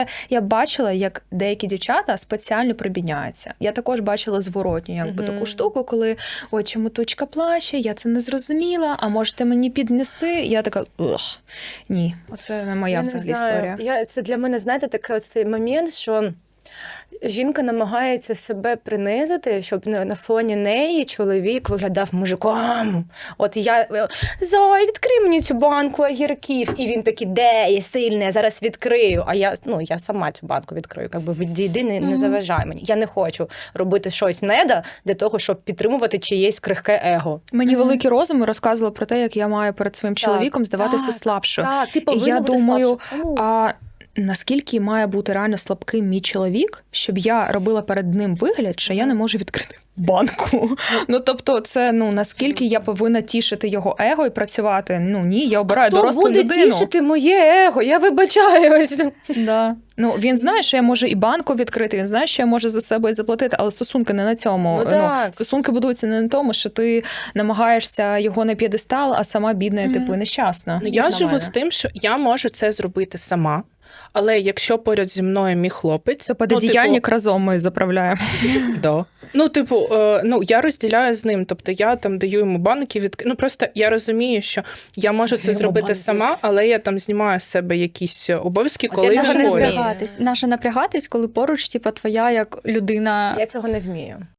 Я бачила, як деякі дівчата спеціально прибідняються. Я також бачила зворотню таку штуку, коли ой, чому точка плаче, я це не зрозуміла, а можете мені піднести? Я така, ні, оце не моя взагалі історія. Це для мене, знаєте, такий цей момент, що жінка намагається себе принизити, щоб на фоні неї чоловік виглядав мужиком. От я, Зой, відкрий мені цю банку огірків. І він такий, де, я сильний, я зараз відкрию. А я сама цю банку відкрию. Якби відійди, не заважай мені. Я не хочу робити щось неда для того, щоб підтримувати чиєсь крихке его. Мені великий розум розказували про те, як я маю перед своїм чоловіком здаватися слабшою. Так, ти повинна я бути думаю, слабша. Наскільки має бути реально слабким мій чоловік, щоб я робила перед ним вигляд, що я не можу відкрити банку. Тобто це, наскільки я повинна тішити його его і працювати? Ні, я обираю дорослу людину. Хто буде тішити моє его? Я вибачаюсь. Да. Він знає, що я можу і банку відкрити, він знає, що я можу за себе і заплатити, але стосунки не на цьому. Стосунки будуються не на тому, що ти намагаєшся його на п'єдестал, а сама бідна, нещасна. Я живу з тим, що я можу це зробити сама. Але якщо поряд зі мною мій хлопець... То пододіяльник разом ми заправляємо. Да. Я розділяю з ним. Тобто я там даю йому банки, просто я розумію, що я можу це зробити сама, але я там знімаю з себе якісь обов'язки, коли Наша напрягатись, коли поруч, твоя як людина... Я цього не вмію.